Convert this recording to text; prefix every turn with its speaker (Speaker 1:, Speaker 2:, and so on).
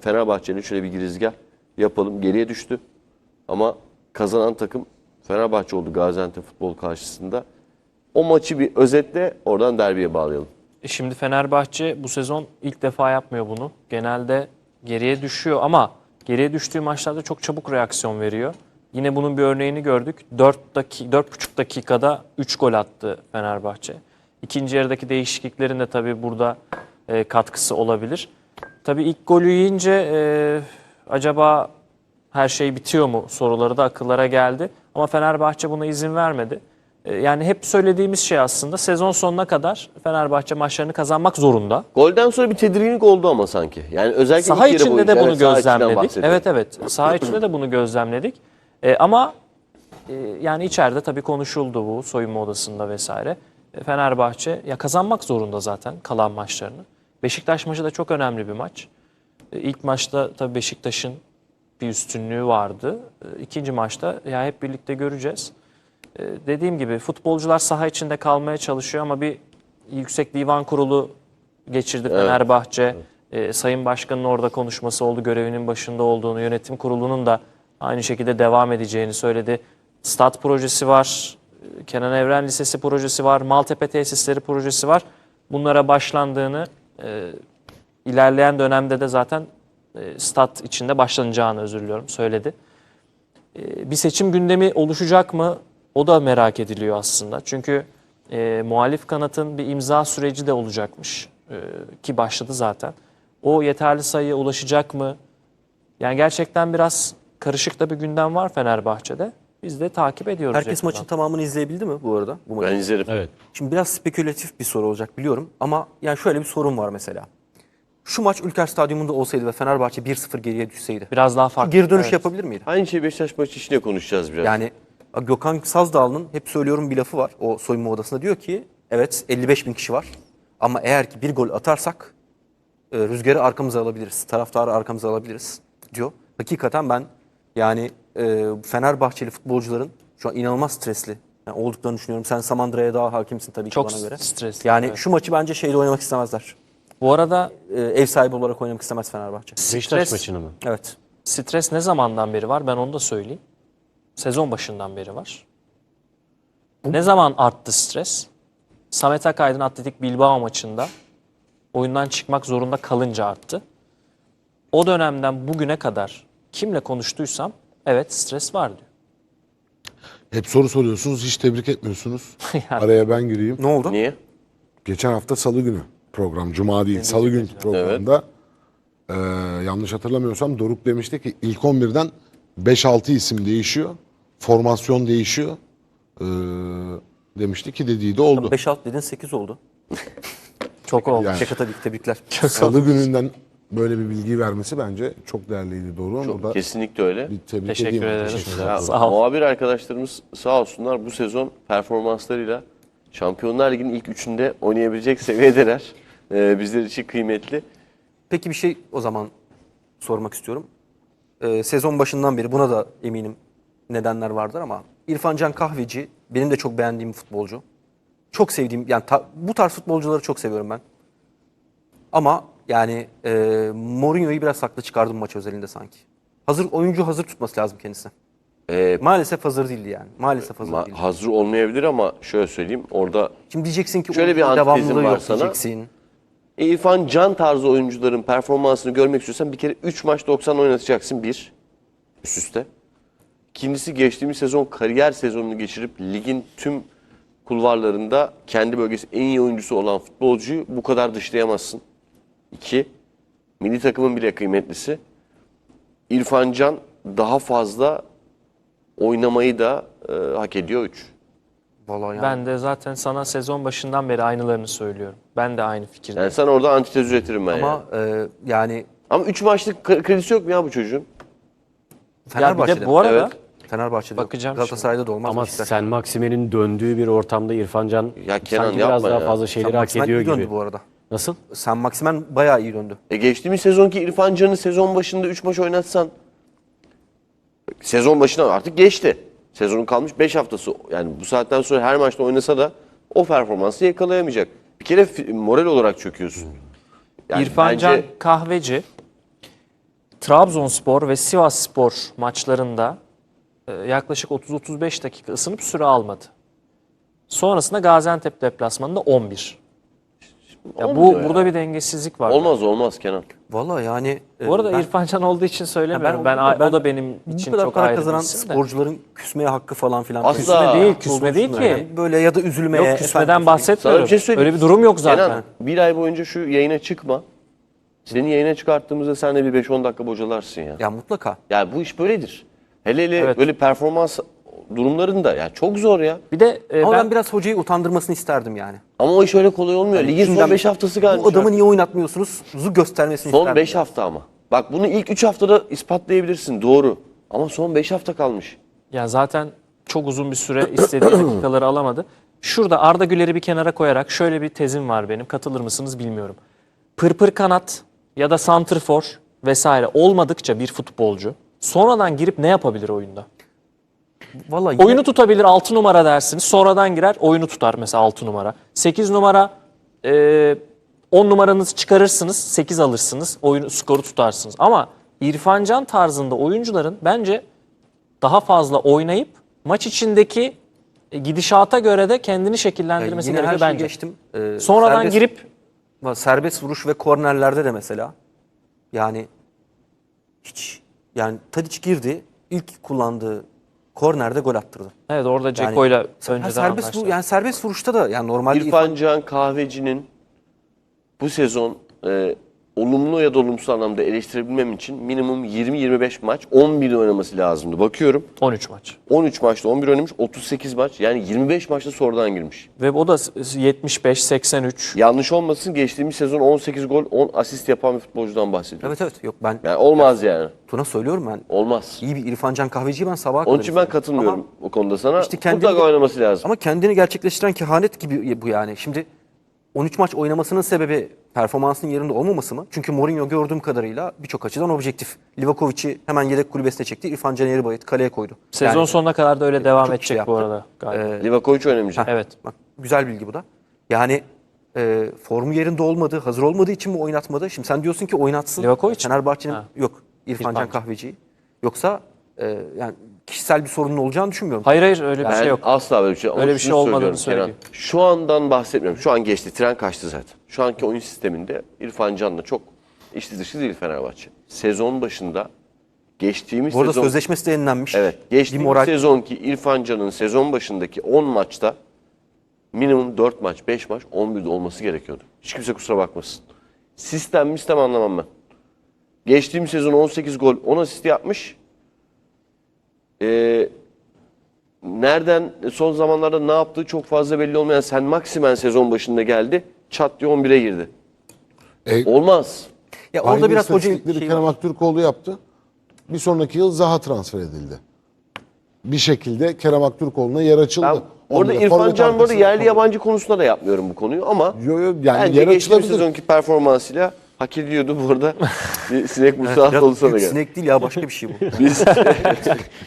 Speaker 1: Fenerbahçe'nin şöyle bir girizgah yapalım. Geriye düştü. Ama kazanan takım Fenerbahçe oldu Gaziantep futbol karşısında. O maçı bir özetle oradan derbiye bağlayalım.
Speaker 2: Şimdi Fenerbahçe bu sezon ilk defa yapmıyor bunu. Genelde geriye düşüyor ama geriye düştüğü maçlarda çok çabuk reaksiyon veriyor. Yine bunun bir örneğini gördük. 4,5 dakikada 3 gol attı Fenerbahçe. İkinci yarıdaki değişikliklerin de tabii burada katkısı olabilir. Tabii ilk golü yiyince acaba her şey bitiyor mu soruları da akıllara geldi. Ama Fenerbahçe buna izin vermedi. Yani hep söylediğimiz şey aslında sezon sonuna kadar Fenerbahçe maçlarını kazanmak zorunda.
Speaker 1: Golden sonra bir tedirginlik oldu ama sanki. Yani özellikle
Speaker 2: Saha
Speaker 1: ilk yarı
Speaker 2: içinde de
Speaker 1: boyunca,
Speaker 2: bunu
Speaker 1: evet, saha içinden
Speaker 2: gözlemledik.
Speaker 1: bahsediyorum.
Speaker 2: Evet. Saha içinde de bunu gözlemledik. Ama yani içeride tabii konuşuldu bu soyunma odasında vesaire. Fenerbahçe ya kazanmak zorunda zaten kalan maçlarını. Beşiktaş maçı da çok önemli bir maç. İlk maçta tabii Beşiktaş'ın bir üstünlüğü vardı. İkinci maçta ya hep birlikte göreceğiz. Dediğim gibi futbolcular saha içinde kalmaya çalışıyor ama bir Yüksek Divan Kurulu geçirdi Fenerbahçe. Sayın Başkan'ın orada konuşması oldu. Görevinin başında olduğunu, yönetim kurulunun da aynı şekilde devam edeceğini söyledi. Stat projesi var, Kenan Evren Lisesi projesi var, Maltepe Tesisleri projesi var. Bunlara başlandığını, ilerleyen dönemde de zaten stat içinde başlanacağını söyledi. Bir seçim gündemi oluşacak mı? O da merak ediliyor aslında. Çünkü muhalif kanatın bir imza süreci de olacakmış ki başladı zaten. O yeterli sayıya ulaşacak mı? Yani gerçekten biraz karışık da bir gündem var Fenerbahçe'de. Biz de takip ediyoruz.
Speaker 3: Herkes maçın tamamını izleyebildi mi bu arada? Bu maçı?
Speaker 1: Ben izlerim.
Speaker 4: Evet.
Speaker 3: Şimdi biraz spekülatif bir soru olacak biliyorum ama yani şöyle bir sorun var mesela. Şu maç Ülker Stadyumunda olsaydı ve Fenerbahçe 1-0 geriye düşseydi.
Speaker 2: Biraz daha farklı.
Speaker 3: Geri dönüş
Speaker 2: Evet.
Speaker 3: yapabilir miydi?
Speaker 1: Aynı şey Beşiktaş maçı içinde konuşacağız biraz.
Speaker 3: Yani Gökhan Sazdağlı'nın hep söylüyorum bir lafı var o soyunma odasında. Diyor ki evet 55 bin kişi var ama eğer ki bir gol atarsak rüzgarı arkamıza alabiliriz. Taraftarı arkamıza alabiliriz diyor. Hakikaten ben yani Fenerbahçeli futbolcuların şu an inanılmaz stresli olduklarını düşünüyorum. Sen Samandıra'ya daha hakimsin tabii ki
Speaker 2: Çok
Speaker 3: bana göre.
Speaker 2: stresli.
Speaker 3: Yani
Speaker 2: evet.
Speaker 3: şu maçı bence şeyle oynamak istemezler.
Speaker 2: Bu arada
Speaker 3: Ev sahibi olarak oynamak istemez Fenerbahçe.
Speaker 4: Beşiktaş maçını mı?
Speaker 3: Evet.
Speaker 2: stres ne zamandan beri var? Ben onu da söyleyeyim. Sezon başından beri var. Ne zaman arttı stres? Samet Akaydın Atletik Bilbao maçında oyundan çıkmak zorunda kalınca arttı. O dönemden bugüne kadar kimle konuştuysam evet stres var diyor.
Speaker 5: Hep soru soruyorsunuz, hiç tebrik etmiyorsunuz.
Speaker 2: Yani.
Speaker 5: Araya ben gireyim.
Speaker 3: Ne oldu?
Speaker 1: Niye?
Speaker 5: Geçen hafta Salı günü program, Cuma değil, Salı günü programda yanlış hatırlamıyorsam Doruk demişti ki ilk 11'den 5-6 isim değişiyor, formasyon değişiyor. Demişti ki dediği de oldu.
Speaker 3: 5-6 dedin 8 oldu.
Speaker 2: Çok oldu.
Speaker 5: Yani
Speaker 3: Şaka tabii ki tebrikler.
Speaker 5: Salı gününden böyle bir bilgi vermesi bence çok değerliydi Doruk'un.
Speaker 1: Çok,
Speaker 5: Burada
Speaker 1: kesinlikle öyle.
Speaker 5: bir tebrik
Speaker 2: Teşekkür
Speaker 5: edeyim.
Speaker 2: ederim.
Speaker 5: Teşekkürler.
Speaker 1: Ya,
Speaker 2: Sağ ol.
Speaker 1: muhabir arkadaşlarımız sağ olsunlar bu sezon performanslarıyla Şampiyonlar Ligi'nin ilk üçünde oynayabilecek seviyedeler. Bizler için kıymetli.
Speaker 3: Peki bir şey o zaman sormak istiyorum. Sezon başından beri buna da eminim nedenler vardır ama İrfan Can Kahveci benim de çok beğendiğim bir futbolcu. Çok sevdiğim yani bu tarz futbolcuları çok seviyorum ben. Ama yani Mourinho'yu biraz haklı çıkardım maç özelinde sanki. Oyuncu hazır tutması lazım kendisi. Maalesef hazır değildi yani. Maalesef hazır değildi.
Speaker 1: Hazır olmayabilir ama şöyle söyleyeyim orada
Speaker 3: Şimdi diyeceksin ki
Speaker 1: Şöyle bir
Speaker 3: oyuncunun
Speaker 1: antitezim
Speaker 3: devamlılığı
Speaker 1: var
Speaker 3: yok
Speaker 1: sana.
Speaker 3: diyeceksin.
Speaker 1: İrfan Can tarzı oyuncuların performansını görmek istiyorsan bir kere 3 maç 90 oynatacaksın bir üst üste. İkincisi geçtiğimiz sezon kariyer sezonunu geçirip ligin tüm kulvarlarında kendi bölgesi en iyi oyuncusu olan futbolcuyu bu kadar dışlayamazsın. 2. Milli takımın bile kıymetlisi. İrfan Can daha fazla oynamayı da hak ediyor 3.
Speaker 3: Vallahi yani.
Speaker 2: Ben de zaten sana sezon başından beri aynılarını söylüyorum. Ben de aynı fikirdeyim.
Speaker 1: Yani sen orada antitez üretirim ben
Speaker 3: Ama yani
Speaker 1: Ama 3 maçlık kredisi yok mu ya bu çocuğun?
Speaker 3: Fenerbahçe'de.
Speaker 2: bu arada
Speaker 1: Evet.
Speaker 3: Fenerbahçe'de.
Speaker 2: Bakacağım
Speaker 3: Galatasaray'da da olmaz.
Speaker 4: Ama
Speaker 3: Beşiktaş'ta.
Speaker 4: Sen Maksime'nin döndüğü bir ortamda İrfan Can
Speaker 1: Ya Kenan
Speaker 4: sanki biraz
Speaker 1: yapma
Speaker 4: daha
Speaker 1: ya.
Speaker 4: fazla
Speaker 3: Sen
Speaker 4: şeyleri hak
Speaker 3: Maximen
Speaker 4: ediyor
Speaker 3: iyi döndü
Speaker 4: gibi.
Speaker 3: bu arada.
Speaker 4: Nasıl?
Speaker 3: Sen Maximen bayağı iyi döndü.
Speaker 1: Geçtiğimiz sezonki İrfan Can'ı sezon başında 3 maç oynatsan sezon başına artık geçti. Sezonun kalmış 5 haftası. Yani bu saatten sonra her maçta oynasa da o performansı yakalayamayacak. Bir kere moral olarak çöküyorsun. Yani
Speaker 2: İrfan
Speaker 1: bence
Speaker 2: Can Kahveci Trabzonspor ve Sivasspor maçlarında yaklaşık 30-35 dakika ısınıp süre almadı. Sonrasında Gaziantep deplasmanında 11. Ya
Speaker 1: Olmuyor ya.
Speaker 2: burada bir dengesizlik var.
Speaker 1: Olmaz Kenan.
Speaker 3: Valla yani
Speaker 2: Bu arada
Speaker 3: ben-
Speaker 2: İrfan Can olduğu için söylemiyorum.
Speaker 3: ben-
Speaker 2: O da benim
Speaker 3: bu
Speaker 2: için
Speaker 3: kadar
Speaker 2: çok
Speaker 3: para
Speaker 2: ayrı bir
Speaker 3: kazanan
Speaker 2: isim de.
Speaker 3: sporcuların küsmeye hakkı falan filan.
Speaker 1: Asla.
Speaker 2: Küsme değil,
Speaker 3: olduğunu
Speaker 2: küsme değil
Speaker 3: düşünmüyorum.
Speaker 2: ki.
Speaker 3: Yani böyle ya da üzülmeye.
Speaker 2: Yok küsmeden
Speaker 3: efendim,
Speaker 2: bahsetmiyorum.
Speaker 1: Sana bir şey söyleyeyim.
Speaker 2: Öyle bir durum yok zaten.
Speaker 1: Kenan, bir ay boyunca şu yayına çıkma. Seni yayına çıkarttığımızda sen de bir 5-10 dakika bocalarsın ya.
Speaker 3: Ya mutlaka.
Speaker 1: Yani bu iş böyledir. Hele
Speaker 2: Evet.
Speaker 1: böyle performans durumlarında ya çok zor ya.
Speaker 2: Bir de
Speaker 3: Ama ben
Speaker 2: ben
Speaker 3: biraz hocayı utandırmasını isterdim yani.
Speaker 1: Ama o iş öyle kolay olmuyor. Ligin son
Speaker 3: Şimdiden
Speaker 1: 5 haftası gelmiş.
Speaker 3: Bu adamı
Speaker 1: artık.
Speaker 3: niye oynatmıyorsunuz? Göstermesini
Speaker 1: Son
Speaker 3: isterdim.
Speaker 1: 5 hafta ama. Bak bunu ilk 3 haftada ispatlayabilirsin doğru. Ama son 5 hafta kalmış.
Speaker 2: ya zaten çok uzun bir süre istediği dakikaları alamadı. Şurada Arda Güler'i bir kenara koyarak şöyle bir tezim var benim. Katılır mısınız bilmiyorum. Pırpır kanat ya da santrfor vesaire olmadıkça bir futbolcu sonradan girip ne yapabilir oyunda?
Speaker 3: Vallahi yine-
Speaker 2: Oyunu tutabilir 6 numara dersiniz. Sonradan girer oyunu tutar mesela 6 numara. 8 numara 10 numaranızı çıkarırsınız 8 alırsınız. Oyunu skoru tutarsınız. Ama İrfan Can tarzında oyuncuların bence daha fazla oynayıp maç içindeki gidişata göre de kendini şekillendirmesi
Speaker 3: yine her
Speaker 2: gerekiyor
Speaker 3: şeyi
Speaker 2: bence.
Speaker 3: geçtim.
Speaker 2: Sonradan
Speaker 3: Serbest-
Speaker 2: girip
Speaker 3: serbest vuruş ve kornerlerde de mesela yani hiç yani Tadic girdi ilk kullandığı kornerde gol attırdı.
Speaker 2: evet orada Ceko'yla
Speaker 3: Ha,
Speaker 2: önceden
Speaker 3: serbest
Speaker 2: anlaştı.
Speaker 3: yani serbest vuruşta da yani normalde
Speaker 1: İrfan Can Kahveci'nin bu sezon olumlu ya da olumsuz anlamda eleştirebilmem için minimum 20-25 maç 11 oynaması lazımdı. Bakıyorum
Speaker 2: 13 maç.
Speaker 1: 13 maçta 11 oynamış, 38 maç yani 25 maçta sonradan girmiş.
Speaker 2: Ve o da 75-83.
Speaker 1: Yanlış olmasın geçtiğimiz sezon 18 gol 10 asist yapan bir futbolcudan bahsediyorum.
Speaker 3: evet yok ben
Speaker 1: Yani olmaz yani.
Speaker 3: Tuna söylüyorum ben
Speaker 1: Olmaz.
Speaker 3: iyi bir İrfan Can Kahveci'yi ben sabaha kadar
Speaker 1: Onun için ben
Speaker 3: izledim.
Speaker 1: katılmıyorum
Speaker 3: Ama,
Speaker 1: o konuda sana.
Speaker 3: İşte kendini-
Speaker 1: Mutlaka oynaması lazım.
Speaker 3: ama kendini gerçekleştiren kehanet gibi bu yani. Şimdi 13 maç oynamasının sebebi performansının yerinde olmaması mı? Çünkü Mourinho gördüğüm kadarıyla birçok açıdan objektif. Livakovic'i hemen yedek kulübesine çekti. İrfan Can Eğribayit kaleye koydu.
Speaker 2: Sezon
Speaker 3: Yani,
Speaker 2: sonuna kadar da öyle devam
Speaker 3: çok
Speaker 2: edecek
Speaker 3: şey
Speaker 2: bu
Speaker 3: yaptı.
Speaker 2: arada galiba.
Speaker 1: Livakovic oynamayacak.
Speaker 2: Evet.
Speaker 3: bak, güzel bilgi bu da. Yani formu yerinde olmadı, hazır olmadığı için mi oynatmadı? Şimdi sen diyorsun ki oynatsın.
Speaker 2: Livakovic mi?
Speaker 3: Fenerbahçe'nin
Speaker 2: Ha.
Speaker 3: yok İrfan Can
Speaker 2: İrfan.
Speaker 3: Kahveci'yi. Yoksa yani kişisel bir sorunun olacağını düşünmüyorum.
Speaker 2: Hayır öyle bir
Speaker 1: Ben
Speaker 2: şey yok.
Speaker 1: asla böyle bir şey.
Speaker 2: Öyle bir şey
Speaker 1: şunu
Speaker 2: olmadığını
Speaker 1: söylüyorum
Speaker 2: söyleyeyim.
Speaker 1: Kenan. Şu andan bahsetmiyorum. Şu an geçti. Tren kaçtı zaten. Şu anki oyun sisteminde İrfan Can'la çok içli dışı değil Fenerbahçe. Sezon başında geçtiğimiz
Speaker 3: Bu arada
Speaker 1: sezon...
Speaker 3: sözleşmesi de yenilenmiş.
Speaker 1: Evet. Geçtiğimiz
Speaker 3: Bir moral-
Speaker 1: sezonki İrfan Can'ın sezon başındaki 10 maçta minimum 4 maç, 5 maç 11'de olması gerekiyordu. Hiç kimse kusura bakmasın. Sistem anlamam ben. Geçtiğimiz sezon 18 gol, 10 asist yapmış. Nereden son zamanlarda ne yaptığı çok fazla belli olmayan Sen Maximen sezon başında geldi. Çat diye 11'e girdi. Olmaz.
Speaker 3: Ya
Speaker 5: Aynı
Speaker 3: orada biraz hoca
Speaker 5: istatistikleri
Speaker 3: şey
Speaker 5: Kerem
Speaker 3: var.
Speaker 5: Aktürkoğlu yaptı. Bir sonraki yıl Zaha transfer edildi. Bir şekilde Kerem Aktürkoğlu'na yer açıldı.
Speaker 1: Ben orada
Speaker 5: Onda
Speaker 1: İrfan
Speaker 5: forvet
Speaker 1: Can bu arada
Speaker 5: arkası-
Speaker 1: yerli yabancı konusunda da yapmıyorum bu konuyu ama
Speaker 5: yani
Speaker 1: bence
Speaker 5: yer
Speaker 1: geçtiğimiz
Speaker 5: açılabilir.
Speaker 1: sezonki performansıyla hak ediyordu bu arada. Bir sinek musallat
Speaker 3: Biraz
Speaker 1: olsa da
Speaker 3: büyük
Speaker 1: gel.
Speaker 3: sinek değil ya başka bir şey bu.
Speaker 1: Biz